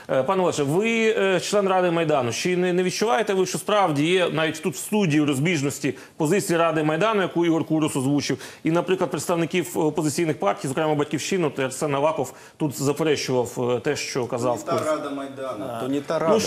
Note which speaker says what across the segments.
Speaker 1: Пане Олеже, ви член Ради Майдану. Чи не відчуваєте ви, що справді є навіть тут в студії розбіжності позиції Ради Майдану, яку Ігор Курус озвучив, і, наприклад, представників опозиційних партій, зокрема Батьківщину, Арсен Аваков тут заперечував те, що казав Курус?
Speaker 2: То не та Рада Майдану, то не та Рада.
Speaker 1: Ну,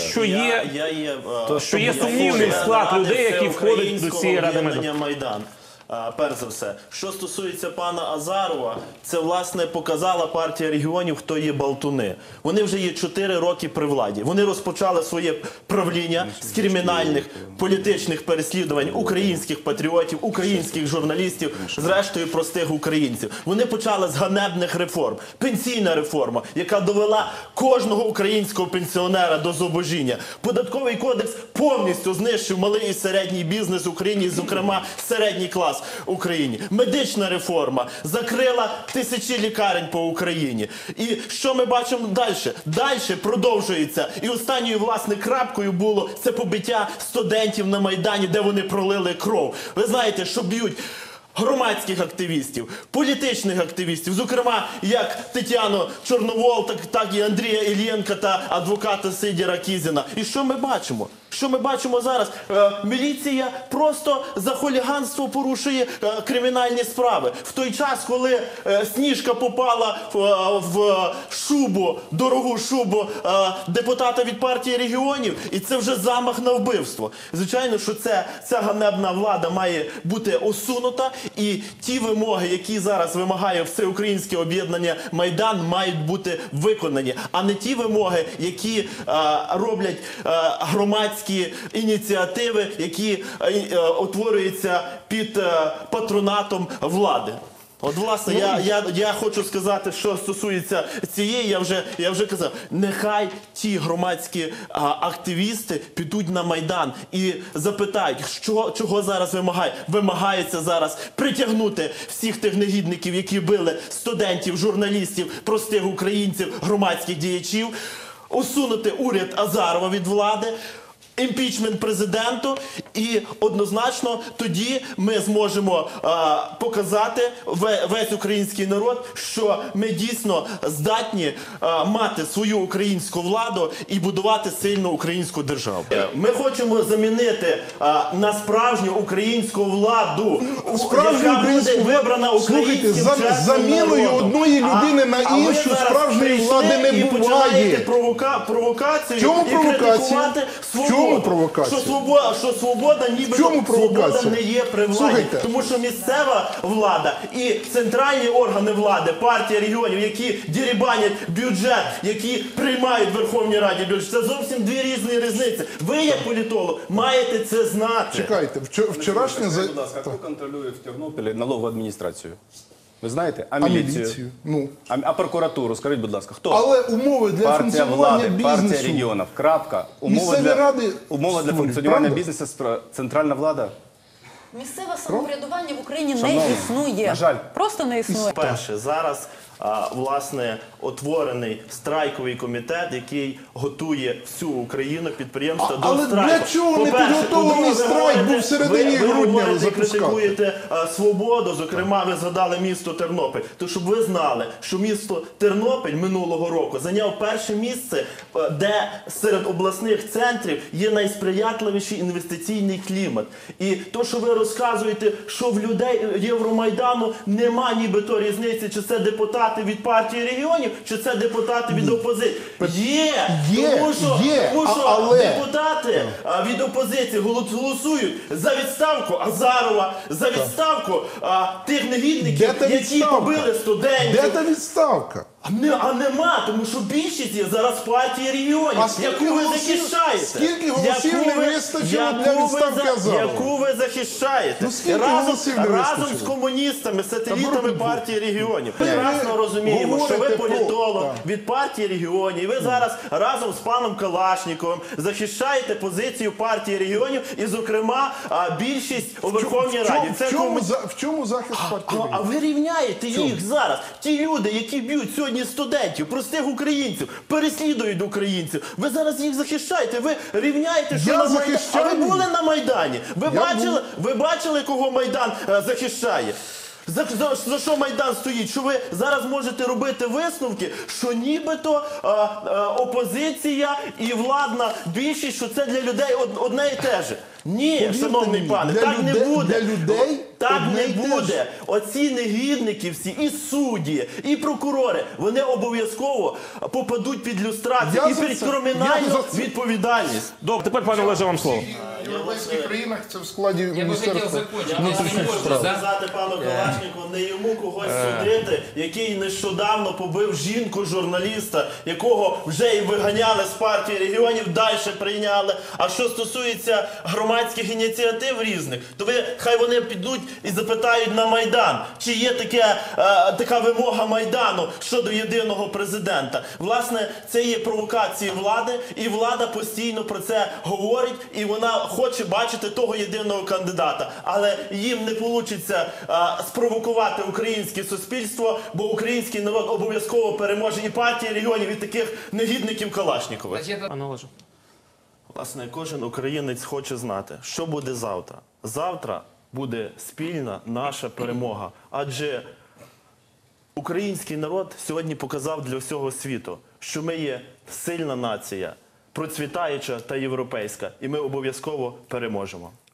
Speaker 1: що є сумнівний склад людей, які входять до цієї Ради
Speaker 3: Майдану. Перш за все, що стосується пана Азарова, це, власне, показала партія регіонів, хто є болтуни. Вони вже є 4 роки при владі. Вони розпочали своє правління з кримінальних політичних переслідувань українських патріотів, українських журналістів, зрештою простих українців. Вони почали з ганебних реформ. Пенсійна реформа, яка довела кожного українського пенсіонера до зубожіння. Податковий кодекс повністю знищив малий і середній бізнес в Україні, зокрема середній клас в Україні. Медична реформа закрила тисячі лікарень по Україні. І що ми бачимо далі? Далі продовжується. І останньою, власне, крапкою було це побиття студентів на Майдані, де вони пролили кров. Ви знаєте, що б'ють громадських активістів, політичних активістів, зокрема, як Тетяну Чорновол, так і Андрія Іллєнка та адвоката Сидора Кізіна. І що ми бачимо? Що ми бачимо зараз? Міліція просто за хуліганство порушує кримінальні справи. В той час, коли Сніжка попала в шубу, дорогу шубу депутата від партії регіонів, і це вже замах на вбивство. Звичайно, що ця ганебна влада має бути усунута, і ті вимоги, які зараз вимагає Всеукраїнське об'єднання Майдан, мають бути виконані, а не ті вимоги, які роблять громадські ініціативи, які утворюються під патронатом влади. От, власне, я хочу сказати, що стосується цієї, я вже казав, нехай ті громадські активісти підуть на Майдан і запитають, чого зараз вимагає. Вимагається зараз притягнути всіх тих негідників, які били студентів, журналістів, простих українців, громадських діячів, усунути уряд Азарова від влади, імпічмент президенту, і однозначно тоді ми зможемо показати весь український народ, що ми дійсно здатні мати свою українську владу і будувати сильну українську державу. Ми хочемо замінити на справжню українську владу, яка буде вибрана українським чесним народом.
Speaker 4: Заміною одної людини на іншу справжньої влади не буває.
Speaker 3: Провокацію
Speaker 4: Чому
Speaker 3: і
Speaker 4: провокація?
Speaker 3: критикувати свободу.
Speaker 4: Чому провокація?
Speaker 3: Що свобода нібито свобода не є при владі.
Speaker 4: Слухайте.
Speaker 3: Тому що місцева влада і центральні органи влади, партія регіонів, які дерибанять бюджет, які приймають в Верховній Раді бюджет, це зовсім дві різні різниці. Ви, як політолог, маєте це знати.
Speaker 4: Чекайте, вчорашнє...
Speaker 2: Скажіть, будь ласка, хто контролює в Тернополі налогову адміністрацію? Ви знаєте? А міліцію?
Speaker 4: Ну.
Speaker 2: А прокуратуру? Скажіть, будь ласка, хто?
Speaker 4: Але умови для
Speaker 2: Партія
Speaker 4: функціонування
Speaker 2: влади,
Speaker 4: бізнесу...
Speaker 2: партія регіонів, крапка.
Speaker 4: Місцеві ради
Speaker 2: Умови для
Speaker 4: створюють,
Speaker 2: функціонування
Speaker 4: правда?
Speaker 2: бізнесу центральна влада.
Speaker 5: Місцеве самоврядування в Україні не
Speaker 2: Шановні,
Speaker 5: існує.
Speaker 2: на жаль.
Speaker 5: Просто не існує.
Speaker 3: Перше, зараз, власне, утворений страйковий комітет, який готує всю Україну, підприємства до
Speaker 4: але
Speaker 3: страйку.
Speaker 4: для чого не підготовлений страйк був в середині грудня
Speaker 3: ви
Speaker 4: запускати?
Speaker 3: критикуєте свободу, зокрема, ви згадали місто Тернопіль. То щоб ви знали, що місто Тернопіль минулого року зайняв перше місце, де серед обласних центрів є найсприятливіший інвестиційний клімат. І то, що ви розказуєте, що в людей Євромайдану нема нібито різниці, чи це депутати від партії регіонів, чи це депутати від опозиції. Тому що
Speaker 4: але...
Speaker 3: депутати від опозиції голосують за відставку Азарова, за відставку тих негідників, які побили студентів.
Speaker 4: Де та відставка?
Speaker 3: А нема, тому що більшість є зараз партії регіонів, яку ви захищаєте.
Speaker 4: Скільки голосів не вистачило для відставки Азарова?
Speaker 3: Яку ви захищаєте.
Speaker 4: Ну, скільки голосів не
Speaker 3: разом
Speaker 4: вистачило?
Speaker 3: з комуністами, сателітами партії регіонів. Ми
Speaker 4: Ви
Speaker 3: прекрасно розуміємо, що ви
Speaker 4: говорите
Speaker 3: політолог
Speaker 4: про...
Speaker 3: від партії регіонів, і ви зараз разом з паном Калашніковим захищаєте позицію партії регіонів і, зокрема, більшість у Верховній Раді.
Speaker 4: В чому захист партії регіонів?
Speaker 3: А ви рівняєте їх зараз. Ті люди, які б'ють сьогодні студентів, простих українців, переслідують українців. Ви зараз їх захищаєте, ви рівняєте, що
Speaker 4: Я
Speaker 3: на Майдані.
Speaker 4: захищаю.
Speaker 3: А ви були на Майдані? Ви бачили, кого Майдан захищає? За що Майдан стоїть? Що ви зараз можете робити висновки, що нібито опозиція і владна більшість, що це для людей одне і те же. Ні,
Speaker 4: Повірте
Speaker 3: шановний
Speaker 4: мені,
Speaker 3: пане,
Speaker 4: для
Speaker 3: так не
Speaker 4: людей-
Speaker 3: буде.
Speaker 4: для людей
Speaker 3: Так
Speaker 4: одне
Speaker 3: не
Speaker 4: і те ж.
Speaker 3: буде. Оці негідники всі, і судді, і прокурори, вони обов'язково попадуть під люстрацію
Speaker 4: Я
Speaker 3: і
Speaker 4: за
Speaker 3: під
Speaker 4: це-
Speaker 3: кримінальну
Speaker 4: я за це-
Speaker 3: відповідальність.
Speaker 1: Добре, тепер, пане Олеже, вам слово.
Speaker 4: В європейських країнах це в складі
Speaker 6: Я бы хотел
Speaker 4: Міністерства
Speaker 6: закончить. Я
Speaker 4: внутрішніх
Speaker 6: не можу,
Speaker 4: справ.
Speaker 6: да?
Speaker 3: Сказати пану Калашнику, не йому когось судити, який нещодавно побив жінку-журналіста, якого вже і виганяли з партії регіонів, далі прийняли. А що стосується громадських ініціатив різних, то хай вони підуть і запитають на Майдан, чи є така вимога Майдану щодо єдиного президента. Власне, це є провокації влади, і влада постійно про це говорить, і вона хоче бачити того єдиного кандидата. Але їм не вийде спровокувати українське суспільство, бо український народ обов'язково переможе і партії регіонів, і таких негідників Калашнікових.
Speaker 6: Значит, это
Speaker 1: Пане Олеже.
Speaker 3: Власне, кожен українець хоче знати, що буде завтра. Завтра буде спільна наша перемога. Адже український народ сьогодні показав для всього світу, що ми є сильна нація, процвітаюча та європейська, і ми обов'язково переможемо.